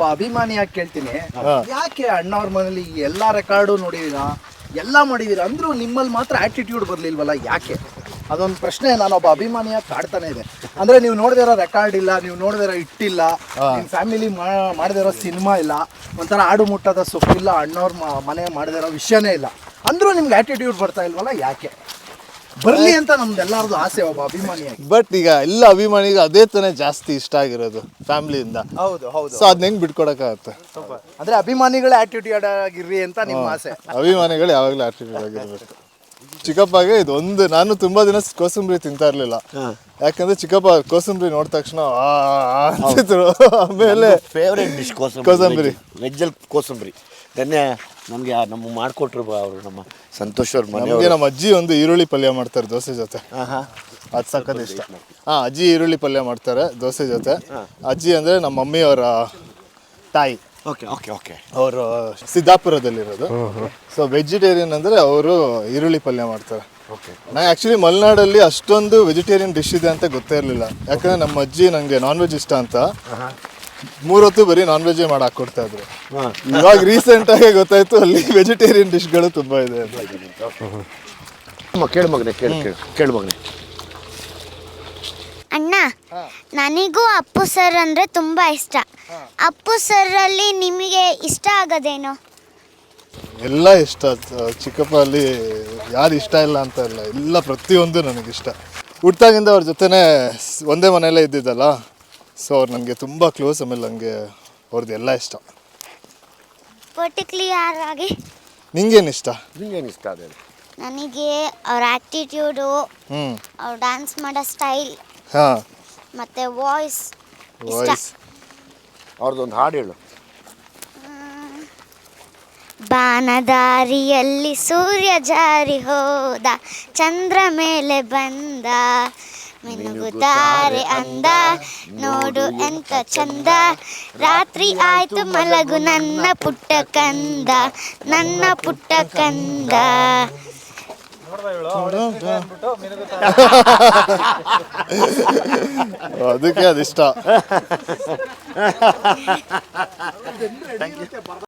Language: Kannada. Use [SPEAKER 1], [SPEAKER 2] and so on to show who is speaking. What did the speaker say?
[SPEAKER 1] ಒಬ್ಬ ಅಭಿಮಾನಿಯಾಗಿ ಕೇಳ್ತೀನಿ, ಯಾಕೆ ಅಣ್ಣವ್ರ ಮನೇಲಿ ಎಲ್ಲಾ ರೆಕಾರ್ಡು ನೋಡಿದೀರಾ, ಎಲ್ಲ ಮಾಡಿದೀರಾ ಅಂದ್ರೂ ನಿಮ್ಮಲ್ಲಿ ಮಾತ್ರ ಆಟಿಟ್ಯೂಡ್ ಬರ್ಲಿಲ್ವಲ್ಲ, ಯಾಕೆ? ಅದೊಂದು ಪ್ರಶ್ನೆ ನಾನೊಬ್ಬ ಅಭಿಮಾನಿಯಾಗಿ ಕಾಡ್ತಾನೆ ಇದೆ. ಅಂದ್ರೆ ನೀವು ನೋಡಿದಿರೋ ರೆಕಾರ್ಡ್ ಇಲ್ಲ, ನೀವು ನೋಡಿದಿರೋ ಇಟ್ಟಿಲ್ಲ, ನಿಮ್ಮ ಫ್ಯಾಮಿಲಿ ಮಾಡದಿರೋ ಸಿನಿಮಾ ಇಲ್ಲ, ಒಂಥರ ಆಡು ಮುಟ್ಟದ ಸೊಪ್ಪಿಲ್ಲ, ಅಣ್ಣವ್ರ ಮನೆ ಮಾಡದಿರೋ ವಿಷಯನೇ ಇಲ್ಲ, ಅಂದ್ರೂ ನಿಮ್ಗೆ ಆಟಿಟ್ಯೂಡ್ ಬರ್ತಾ ಇಲ್ವಲ್ಲ, ಯಾಕೆ? ಬರ್ಲಿ ಅಂತ ನಮ್ದೆಲ್ಲರದು ಆಸೆ ಒಬ್ಬ ಅಭಿಮಾನಿಯಾಗಿ.
[SPEAKER 2] ಬಟ್ ಈಗ ಎಲ್ಲ ಅಭಿಮಾನಿಗೆ ಅದೇ ತಾನೇ ಜಾಸ್ತಿ ಇಷ್ಟ ಆಗಿರೋದು ಫ್ಯಾಮಿಲಿಯಿಂದ.
[SPEAKER 1] ಹೌದು ಹೌದು.
[SPEAKER 2] ಸೊ ಅದನ್ನ ಹೆಂಗ್ ಬಿಟ್ಕೊಡಕ್ಕಾಗತ್ತೆ?
[SPEAKER 1] ಅಂದ್ರೆ ಅಭಿಮಾನಿಗಳ ಆಟಿಟ್ಯೂಡ್ ಆಗಿರ್ರಿ ಅಂತ ನಿಮ್ಮ ಆಸೆ.
[SPEAKER 2] ಅಭಿಮಾನಿಗಳು ಯಾವಾಗಲೂ ಆಟಿಟ್ಯೂಡ್ ಆಗಿರ್ಬೇಕು. ಚಿಕ್ಕಪ್ಪಗೆ ಇದೊಂದು, ನಾನು ತುಂಬಾ ದಿನ ಕೋಸಂಬರಿ ತಿಂತಾ ಇರ್ಲಿಲ್ಲ, ಯಾಕಂದ್ರೆ ಚಿಕ್ಕಪ್ಪ ಕೋಸಂಬರಿ ನೋಡಿದ ತಕ್ಷಣ ಅಂತಿದ್ರು. ಆಮೇಲೆ
[SPEAKER 3] ಫೇವ್ರೇಟ್ ಡಿಶ್ ಕೋಸಂಬರಿ, ವೆಜ್ಜಲ್ಲಿ ಕೋಸಂಬರಿ. ಧನ್ಯ ನಮಗೆ ನಮ್ಮ ಮಾಡಿಕೊಟ್ರು ಅವರು, ನಮ್ಮ ಸಂತೋಷ್ ಅವ್ರ ಮನೆಯವ್ರು.
[SPEAKER 2] ನಮ್ಮ ಅಜ್ಜಿ ಒಂದು ಈರುಳ್ಳಿ ಪಲ್ಯ ಮಾಡ್ತಾರೆ ದೋಸೆ ಜೊತೆ, ಅದು ಸಖತ್ ಇಷ್ಟ. ಅಜ್ಜಿ ಈರುಳ್ಳಿ ಪಲ್ಯ ಮಾಡ್ತಾರೆ ದೋಸೆ ಜೊತೆ. ಅಜ್ಜಿ ಅಂದರೆ ನಮ್ಮ ಮಮ್ಮಿಯವರ ತಾಯಿ.
[SPEAKER 3] Okay okay okay.
[SPEAKER 2] ಅವರು ಸಿದ್ದಾಪುರದಲ್ಲಿರೋದು. ಸೊ ವೆಜಿಟೇರಿಯನ್ ಅಂದರೆ ಅವರು ಈರುಳ್ಳಿ ಪಲ್ಯ ಮಾಡ್ತಾರೆ.
[SPEAKER 3] ಓಕೆ.
[SPEAKER 2] ನಾನು ಆ್ಯಕ್ಚುಲಿ ಮಲೆನಾಡಲ್ಲಿ ಅಷ್ಟೊಂದು ವೆಜಿಟೇರಿಯನ್ ಡಿಶ್ ಇದೆ ಅಂತ ಗೊತ್ತೇ ಇರಲಿಲ್ಲ, ಯಾಕಂದರೆ ನಮ್ಮ ಅಜ್ಜಿ ನನಗೆ ನಾನ್ ವೆಜ್ ಇಷ್ಟ ಅಂತ 3 ಹೊತ್ತು ಬರೀ ನಾನ್ ವೆಜ್ಜೇ ಮಾಡಿ ಹಾಕ್ಕೊಡ್ತಾ ಇದ್ರು. ಇವಾಗ ರೀಸೆಂಟಾಗಿ ಗೊತ್ತಾಯ್ತು ಅಲ್ಲಿ ವೆಜಿಟೇರಿಯನ್ ಡಿಶ್ಗಳು ತುಂಬ ಇದೆ ಅಂತ.
[SPEAKER 3] ಕೇಳು ಮಗನೆ, ಕೇಳು ಮಗನೆ.
[SPEAKER 4] ಅಣ್ಣ, ನನಗೂ ಅಪ್ಪು ಸರ್ ಅಂದರೆ ತುಂಬ ಇಷ್ಟ. ಅಪ್ಪು ಸರಲ್ಲಿ ನಿಮಗೆ ಇಷ್ಟ ಆಗೋದೇನು?
[SPEAKER 2] ಎಲ್ಲ ಇಷ್ಟ. ಚಿಕ್ಕಪ್ಪ ಅಲ್ಲಿ ಯಾರು ಇಷ್ಟ ಇಲ್ಲ ಅಂತ ಇಲ್ಲ, ಎಲ್ಲ ಪ್ರತಿಯೊಂದು ನನಗಿಷ್ಟ. ಹುಟ್ಟಾಗಿಂದ ಅವ್ರ ಜೊತೆನೇ ಒಂದೇ ಮನೆಯಲ್ಲೇ ಇದ್ದಿದ್ದಲ್ಲ, ಸೊ ಅವ್ರು ನನಗೆ ತುಂಬ ಕ್ಲೋಸ್. ಆಮೇಲೆ ನನಗೆ ಅವ್ರದ್ದು ಎಲ್ಲ ಇಷ್ಟ.
[SPEAKER 4] ಪರ್ಟಿಕ್ಯುಲರ್ ಆಗಿ
[SPEAKER 2] ನಿಂಗೇನು ಇಷ್ಟ?
[SPEAKER 3] ನಿಂಗೇನು ಇಷ್ಟ ಅದೇ?
[SPEAKER 4] ನನಗೆ ಅವ್ರ ಆ್ಯಕ್ಟಿಟ್ಯೂಡು, ಅವ್ರು ಡ್ಯಾನ್ಸ್ ಮಾಡೋ ಸ್ಟೈಲ್,
[SPEAKER 2] ಹಾಂ,
[SPEAKER 4] ಮತ್ತು ವಾಯ್ಸ್ ಇಷ್ಟ.
[SPEAKER 3] ಅವ್ರದ್ದೊಂದು ಹಾಡು ಹೇಳು.
[SPEAKER 4] ಬಾನದಾರಿಯಲ್ಲಿ ಸೂರ್ಯ ಜಾರಿ ಹೋದ, ಚಂದ್ರ ಮೇಲೆ ಬಂದ, ಮಿನುಗುತ್ತಾರೆ ಅಂದ, ನೋಡು ಎಂತ ಚಂದ, ರಾತ್ರಿ ಆಯ್ತು ಮಲಗು ನನ್ನ ಪುಟ್ಟ ಕಂದ, ನನ್ನ ಪುಟ್ಟ ಕಂದ.
[SPEAKER 2] ಅದಕ್ಕೆ ಅದಿಷ್ಟ.